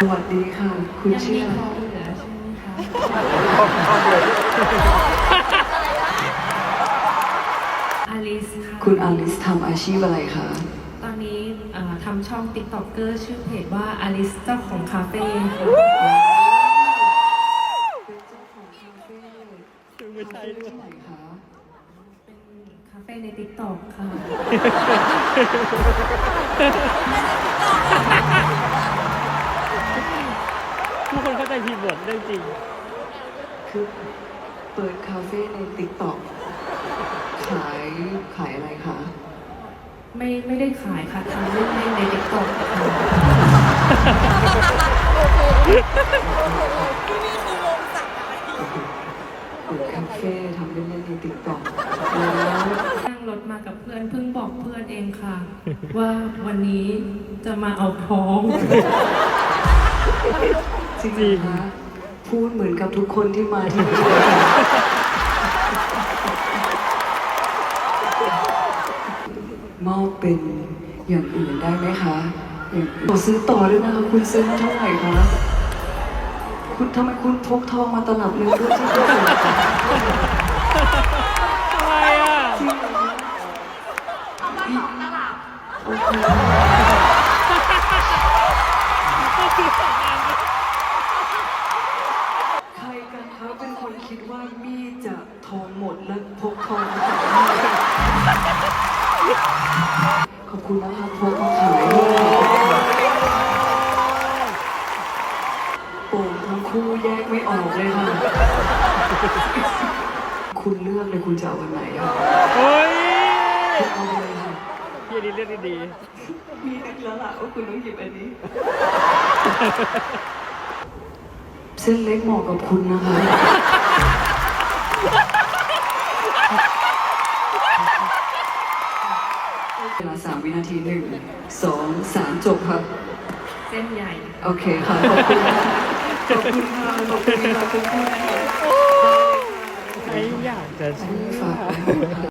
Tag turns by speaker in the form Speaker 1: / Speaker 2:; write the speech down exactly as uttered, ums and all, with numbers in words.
Speaker 1: สวัสดีค่ะคุณ
Speaker 2: ยัง
Speaker 1: ชื่
Speaker 2: มี
Speaker 1: อ
Speaker 2: คอเหลือใช่ไหมคะ อลิสค่ะ
Speaker 1: คุณอลิสทำอาชีพอะไรคะ
Speaker 2: ตอนนี้เอ่อทำช่องติ๊กต็อกเกอร์ชื่อเพจว่าอลิสเจ้าของคาเฟ่ค่ะ
Speaker 1: เป็นเจ้าของคาเฟ่
Speaker 3: ไม่ใช่ด้วย
Speaker 1: ที่ไหนคะ
Speaker 2: เป็นคาเฟ่ในติ๊กต็อกค่ะ
Speaker 3: ทุกคนเข้าใจผิดหมดเรื่องจริง
Speaker 1: คือเปิดคาเฟ่ในติ๊กต็อกขายขายอะไรคะ
Speaker 2: ไม่ไม่ได้ขายค่ะทำเล่นๆในติ๊กต็อกค่ะ
Speaker 1: เปิดคาเฟ่ทำเล่นๆในติ๊กต็อกแล้ว
Speaker 2: นั่งรถมากับเพื่อนเพิ่งบอกเพื่อนเองค่ะ ว่าวันนี้จะมาเอาท้อง
Speaker 1: จริงเหรอคะพูดเหมือนกับทุกคนที่มาที่นี่เลยมอบเป็นอย่างอื่นได้ไหมคะอย่างขอซื้อต่อด้วยนะคะคุณซื้อมาเท่าไหร่คะคุณทำไมคุณพกทองมาตลับหนึงด้วยที่คุณซื้อคะ
Speaker 3: ทำไมอ่ะ
Speaker 1: จริงเหรอคะเอามาสองตลับโอเค
Speaker 3: ก็คือสองอัน
Speaker 1: ใครกันคะเป็นคนคิดว่ามี่จะทองหมดและพกทองมาจากมี่ขอบคุณนะคะพกมาขายโป่งทั้งคู่แยกไม่ออกเลยค่ะ คุณเลือกเลยคุณจะเอาวันไหนอะ
Speaker 3: เฮ้ย
Speaker 1: คุณเอาไปเลยค่ะ
Speaker 3: พี่อันนี้เรื่องดี
Speaker 1: มีนึกแล้วล่ะว่าคุณต้องหยิบอันนี้ เส้นเล็กเหมาะกับคุณนะคะเวลาสามวินาทีหนึ่งสองสามจบค่ะ
Speaker 2: เส้นใหญ่
Speaker 1: โอเคค่ะ ขอบคุณค่ะขอบคุณค่ะขอบคุณค่ะขอบคุณค่ะ
Speaker 3: ๆใครอยากจะเชื่
Speaker 1: ฝาก
Speaker 3: อ
Speaker 1: ไว้ค่ะ